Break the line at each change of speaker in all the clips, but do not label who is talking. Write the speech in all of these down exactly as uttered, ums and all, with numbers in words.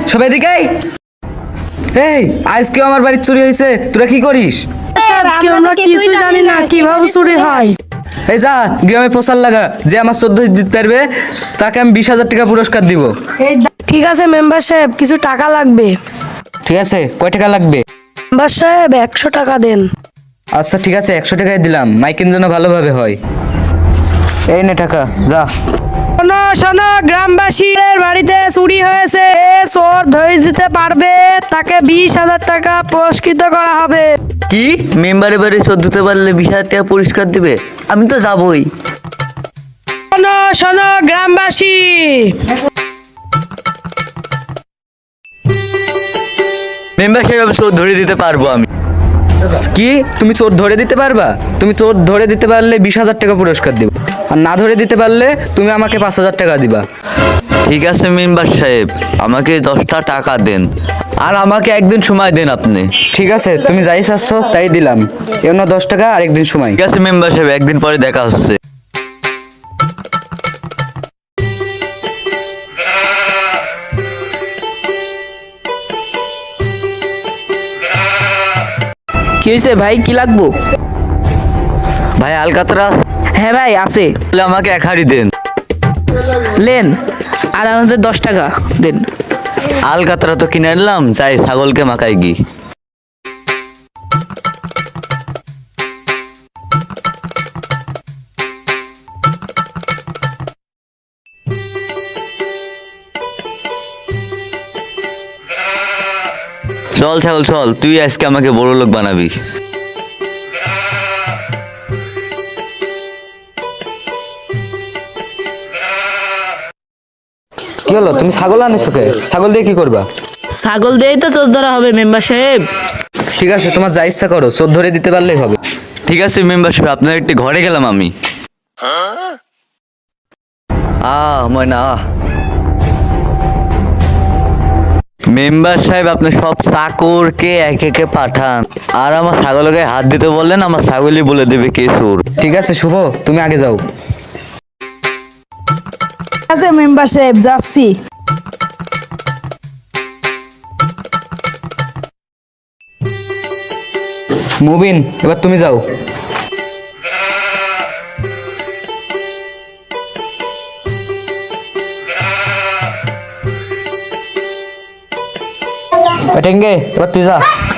সবাই এদিকে আয়। এই আজকে আমার বাড়ি চুরি হয়েছে, তোরা কি করিস?
আমরা কিছু জানি না কিভাবে চুরি হয়।
এই যা গ্রামে প্রচার লাগা, যে আমার চোদ্দ দিতে পারবে তাকে আমি বিশ হাজার টাকা পুরস্কার দিব।
ঠিক আছে মেম্বার সাহেব, কিছু টাকা লাগবে।
ঠিক আছে, কয় টাকা লাগবে?
মেম্বার সাহেব একশো টাকা দেন।
আচ্ছা ঠিক আছে, একশো টাকায় দিলাম, মাইকিং যেন ভালোভাবে হয়। এই নে টাকা, যা।
শোনো শোনো, গ্রামবাসীর বাড়িতে চুরি হয়েছে, এ চোর ধরে দিতে পারবে তাকে বিশ হাজার টাকা পুরস্কৃত করা হবে।
কি মেম্বারের বাড়ি চোর দিতে পারলে বিশ হাজার টাকা পুরস্কার দিবে? আমি তো যাবই।
শোনো শোনো গ্রামবাসী,
মেম্বার সাহেব আমি চোর ধরে দিতে পারবো। আমি
কি তুমি চোর ধরে দিতে পারবা? তুমি চোর ধরে দিতে পারলে বিশ হাজার টাকা পুরস্কার দিব, আর না ধরে দিতে পারলে তুমি আমাকে পাঁচ হাজার টাকা দিবা।
ঠিক আছে মেম্বার সাহেব, আমাকে দশটা টাকা দেন আর আমাকে একদিন সময় দেন আপনি।
ঠিক আছে, তুমি যাই চাচ্ছ তাই দিলাম, এমন দশ টাকা আর একদিন সময়।
ঠিক আছে মেম্বার সাহেব, একদিন পরে দেখা হচ্ছে।
কি হয়েছে ভাই, কি লাগবো?
ভাই আলকাতরা
হ্যাঁ ভাই আছে,
তাহলে আমাকে এক হাড়ি দেন।
লেন। আর আমাদের দশ টাকা দেন।
আলকাতরা তো কিনে আনলাম, চাই ছাগলকে মাখাই গি। চল ছাগল চল, তুই আজকে আমাকে বড় লোক বানাবি।
কি হলো, তুমি ছাগল আনিছো কে? ছাগল দিয়ে কি করবা?
ছাগল দিয়েই তো চোর ধরা হবে মেম্বার সাহেব।
ঠিক আছে, তোমার যা ইচ্ছা করো, চোর ধরে দিতে পারলেই হবে।
ঠিক আছে মেম্বার সাহেব, আপনার একটি ঘরে গেলাম আমি। আহ ময়না আহ। মেম্বার সাহেব আপনি সব চাকরকে এক একে পাঠান, আর আমার ছাগলকে হাত দিতে বললেন, আমার ছাগলই বলে দেবে কে চোর।
ঠিক আছে শুভ, তুমি আগে যাও।
ঠিক আছে মেম্বার সাহেব, যাচ্ছি।
মুবিন, এবার তুমি যাও। টেঙ্গে, এবার তুই যা।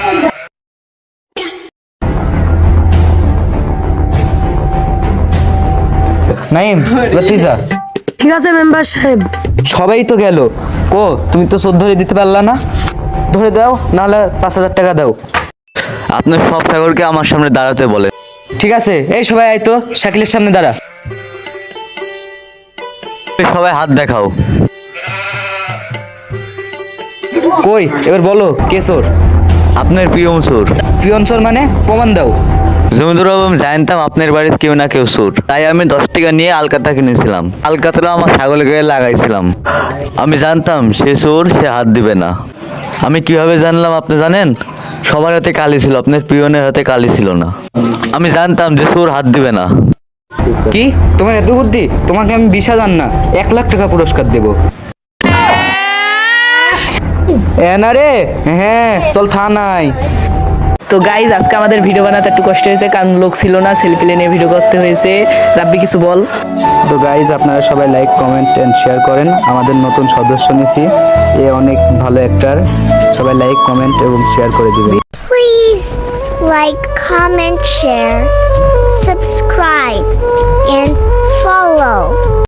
নাইম, এবার তুই যা।
ঠিক আছে মেম্বার সাহেব।
সবাই তো গেল, কো তুমি তো চোর ধরে দিতে পারলা না? ধরে দাও, নাহলে পাঁচ হাজার টাকা দাও।
আপনার সব ছাগলকে আমার সামনে দাঁড়াতে বলেন।
ঠিক আছে, এই সবাই আয় তো, শাকিলের সামনে দাঁড়া।
সবাই হাত দেখাও।
কই এবার বলো কে চোর?
আপনার প্রিয় চোর।
পিয়ন চোর মানে? প্রমাণ দাও।
জমিদার বাবু আমি জানতাম আপনার বাড়িতে কেউ না কেউ চোর, তাই আমি দশ টাকা নিয়ে আলকাতা কিনেছিলাম। আলকাতরা আমার ছাগলের গায়ে লাগাইছিলাম। আমি জানতাম সে চোর, সে হাত দিবে না। আমি কিভাবে জানলাম আপনি জানেন? সবার হাতে কালি ছিল, আপনার পিয়নের হাতে কালি ছিল না। আমি জানতাম যে চোর হাত দিবে না।
কি তোমার এত বুদ্ধি? তোমাকে আমি বিশ হাজার না এক লাখ টাকা পুরস্কার দেবো। এনা রে, হ্যাঁ চল থানায়।
তো গাইজ আজকে আমাদের ভিডিও বানাতে একটু কষ্ট হয়েছে, কারণ লোক ছিল না, সেলফি নিয়ে ভিডিও করতে হয়েছে। রাব্বি কিছু বল।
তো গাইজ আপনারা সবাই লাইক কমেন্ট এন্ড শেয়ার করেন। আমাদের নতুন সদস্য নিছি, এ অনেক ভালো অ্যাক্টর। সবাই লাইক কমেন্ট এবং শেয়ার করে দিবেন।
Please like, comment, share, subscribe, and follow.